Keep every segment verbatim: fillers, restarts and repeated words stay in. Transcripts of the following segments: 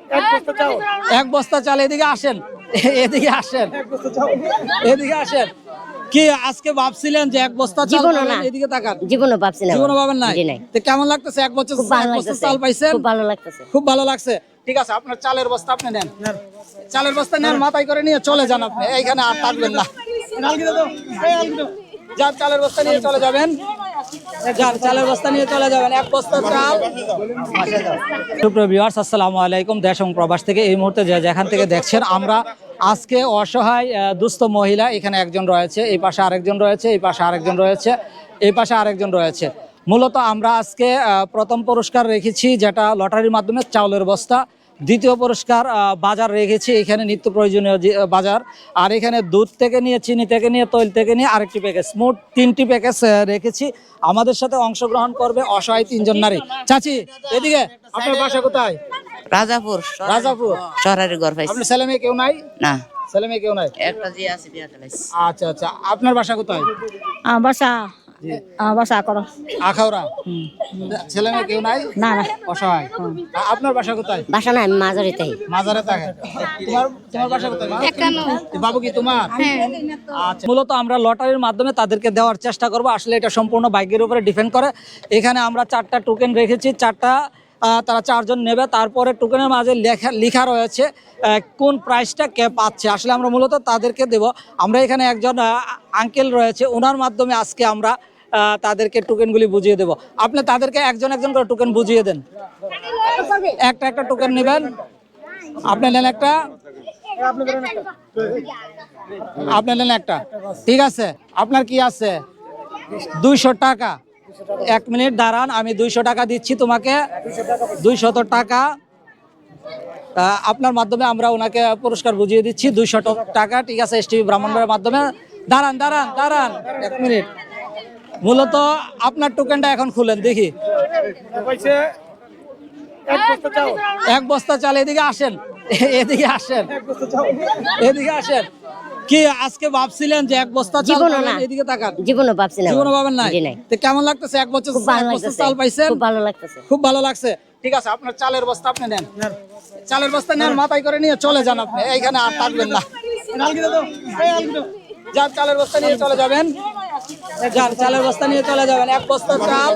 এক বস্তা চাল। এদিকে আসেন, এদিকে আসেন, এদিকে আসেন। কি আজকে ভাবছিলেন যে এক বস্তা চাল পাবেন? এদিকে তাকান। জীবনে ভাবছি না, জীবনে ভাবেন নাই? তো কেমন লাগতেছে? এক বছর এক বস্তা চাল পাইছেন? খুব ভালো লাগতেছে। খুব ভালো লাগছে। ঠিক আছে, আপনার চালের বস্তা আপনি নেন। চালের বস্তা নেন, মাথায় করে নিয়ে চলে যান। আপনি এইখানে আর থাকবেন না। যান, চালের বস্তা নিয়ে চলে যাবেন। যান, চালের বস্তা নিয়ে চলে যাবেন। এক বস্তা চাল। সুপ্রিয় ভিউয়ার্স, আসসালামু আলাইকুম। দেশ এবং প্রবাস থেকে এই মুহূর্তে যে যেখান থেকে দেখছেন, আমরা আজকে অসহায় দুস্থ মহিলা, এখানে একজন রয়েছে, এই পাশে আরেকজন রয়েছে, এই পাশে আরেকজন রয়েছে, এই পাশে আরেকজন রয়েছে। মূলত আমরা আজকে প্রথম পুরস্কার রেখেছি যেটা লটারির মাধ্যমে চাউলের বস্তা। দ্বিতীয় পুরস্কার বাজার রেখেছি, এখানে নিত্য প্রয়োজনীয় বাজার। আর এখানে দুধ থেকে নিয়ে, চিনি থেকে নিয়ে, তৈল থেকে নিয়ে আরেকটি প্যাকেজ, মোট তিনটি প্যাকেজ রেখেছি। আমাদের সাথে অংশগ্রহণ করবে অসহায় তিনজন নারী। চাচি, এদিকে। আপনার বাসা কোথায়? রাজাপুর। রাজাপুর শহরের ঘর পাইছি। আপনার ছেলে মেয়ে কেউ নাই? না, ছেলে মেয়ে কেউ নাই। একটা জি আছে, বিয়া চালাইছি। আচ্ছা আচ্ছা, আপনার বাসা কোথায়? বাসা বাসা করো আখাউড়া। ছেলে মেয়ে কেউ নাই? না না, অসহায়। আপনার বাসা কোথায়? বাসা নাই, মাঝারিতেই। মাজারে থাকে। তোমার তোমার বাসা কোথায়? বাবু কি তোমার? আচ্ছা, মূলত আমরা লটারির মাধ্যমে তাদেরকে দেওয়ার চেষ্টা করব। আসলে এটা সম্পূর্ণ ভাগ্যের উপরে ডিপেন্ড করে। এখানে আমরা চারটা টোকেন রেখেছি, চারটা তারা চারজন নেবে। তারপরে টোকেনের মাঝে লেখা লেখা রয়েছে কোন প্রাইসটা কে পাচ্ছে। আসলে আমরা মূলত তাদেরকে দেব। আমরা এখানে একজন আঙ্কেল রয়েছে, ওনার মাধ্যমে আজকে আমরা তাদেরকে টোকেনগুলি বুঝিয়ে দেব। আপনি তাদেরকে একজন একজন করে টোকেন বুঝিয়ে দেন। একটা একটা টোকেন নেবেন। আপনি নেন একটা, আপনি নেন একটা। ঠিক আছে, আপনার কি আছে? দুইশো টাকা। এক মিনিট দাঁড়ান, আমি দুইশো টাকা দিচ্ছি তোমাকে। দুইশত টাকা আপনার মাধ্যমে আমরা ওনাকে পুরস্কার বুঝিয়ে দিচ্ছি। দুইশো টাকা। ঠিক আছে, এস টিভি ব্রাহ্মণবাড়ির মাধ্যমে। দাঁড়ান দাঁড়ান দাঁড়ান এক মিনিট। মূলত আপনার টোকেনটা এখন খুলেন দেখি। এক বস্তা চাল। এদিকে আসেন, এদিকে আসেন, এদিকে আসেন। কি আজকে ভাবছিলেন যে এক বস্তা চাল পাবেন? এদিকে তাকান। জীবনে ভাবছি না, জীবনে ভাবেন নাই? তো কেমন লাগতেছে? এক বছর এক বস্তা চাল পাইছেন? খুব ভালো লাগতেছে। খুব ভালো লাগছে। ঠিক আছে, আপনার চালের বস্তা আপনি নেন। চালের বস্তা নেন, মাথায় করে নিয়ে চলে যান। আপনি এইখানে আর থাকবেন না। যান, চালের বস্তা নিয়ে চলে যাবেন। যান, চালের বস্তা নিয়ে চলে যাবেন। এক বস্তা চাল।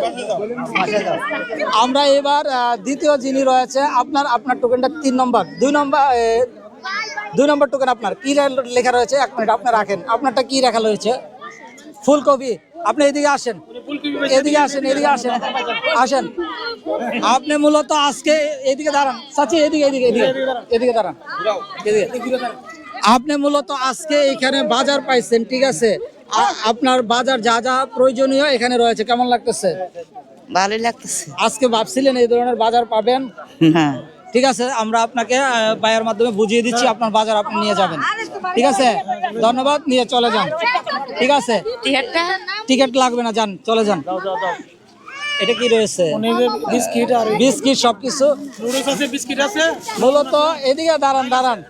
আমরা এবার দ্বিতীয় যিনি রয়েছে, আপনার আপনার টোকেনটা তিন নম্বর, দুই নম্বর, দুই নম্বর টোকেন আপনার কি লেখা রয়েছে? এক মিনিট, আপনি রাখেন। আপনারটা কি লেখা রয়েছে? ফুলকপি। আপনি এদিকে আসেন, এদিকে আসেন, এদিকে আসেন, আসেন। আপনি মূলত আজকে এদিকে দাঁড়ান। চাচি, এদিকে এদিকে এদিকে এদিকে দাঁড়ান, এদিকে। আপনি মূলত আজকে এখানে বাজার পাইছেন। ঠিক আছে, আপনার বাজার যা যা প্রয়োজনীয় এখানে রয়েছে। কেমন লাগতেছে? ভালোই লাগতেছে। আজকে ভাবছিলেন এই ধরনের বাজার পাবেন? হ্যাঁ। ঠিক আছে, আমরা আপনাকে বায়ের মাধ্যমে বুঝিয়ে দিচ্ছি, আপনার বাজার আপনি নিয়ে যাবেন। ঠিক আছে, ধন্যবাদ, নিয়ে চলে যান। ঠিক আছে, টিকিট লাগবে না, যান, চলে যান। এটা কি রয়েছে? বিস্কিট আর বিস্কিট সবকিছু। বিস্কিট আছে মূলত। এদিকে দাঁড়ান দাঁড়ান।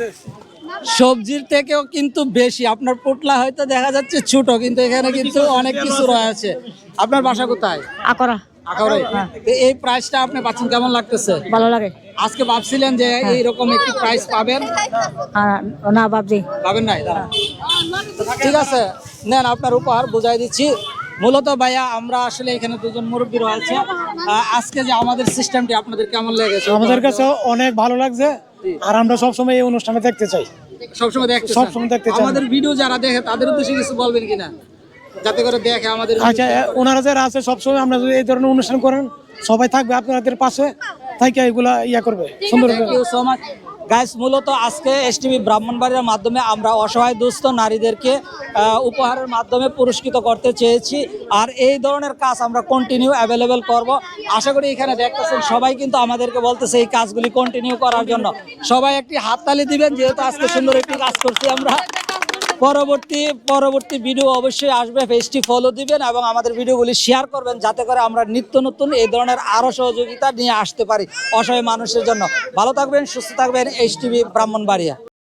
সবজির থেকেও কিন্তু বেশি। আপনার পোটলা হয়তো দেখা যাচ্ছে ছোট, কিন্তু এখানে কিন্তু অনেক কিছু রয়েছে। আপনার বাসা কোথায়? আকরা। আখাউড়ায়। এই প্রাইসটা আপনি পাচ্ছেন, কেমন লাগতেছে? ভালো লাগে। আজকে ভাবছিলেন যে এইরকম একটি প্রাইস পাবেন? না, ভাবছি। পাবেন নাই? ঠিক আছে, নেন আপনার উপহার, বুঝাই দিচ্ছি। মূলত ভাইয়া, আমরা আসলে এখানে দুজন মুরব্বী রয়েছে। আজকে যে আমাদের সিস্টেমটি আপনাদের কেমন লেগেছে? আমাদের কাছে অনেক ভালো লাগছে। আর আমরা সবসময় এই অনুষ্ঠানে দেখতে চাই। সবসময় দেখতে সবসময় দেখতে চাই। আমাদের ভিডিও যারা দেখে তাদের উদ্দেশ্যে কিছু বলবেন কিনা, যাতে করে দেখে আমাদের? আচ্ছা, ওনারা যারা আছে সবসময় আমরা যদি এই ধরনের অনুষ্ঠান করেন, সবাই থাকবে আপনাদের পাশে, তাইকে এগুলা ইয়া করবে সুন্দর। Thank you so much guys. মূলত আজকে এস টিভি ব্রাহ্মণবাড়িয়ার মাধ্যমে আমরা অসহায় দুস্থ নারীদেরকে উপহারের মাধ্যমে পুরস্কৃত করতে চেয়েছি। আর এই ধরনের কাজ আমরা কন্টিনিউ অ্যাভেলেবেল করব। আশা করি এখানে দেখতেছেন সবাই কিন্তু আমাদেরকে বলতেছে এই কাজগুলি কন্টিনিউ করার জন্য। সবাই একটি হাততালি দিবেন, যেহেতু আজকে সুন্দর একটি কাজ করছি আমরা। পরবর্তী পরবর্তী ভিডিও অবশ্যই আসবে, পেজটি ফলো দিবেন এবং আমাদের ভিডিওগুলি শেয়ার করবেন, যাতে করে আমরা নিত্য নতুন এই ধরনের আরও সহযোগিতা নিয়ে আসতে পারি অসহায় মানুষের জন্য। ভালো থাকবেন, সুস্থ থাকবেন। S TV Brahmanbaria.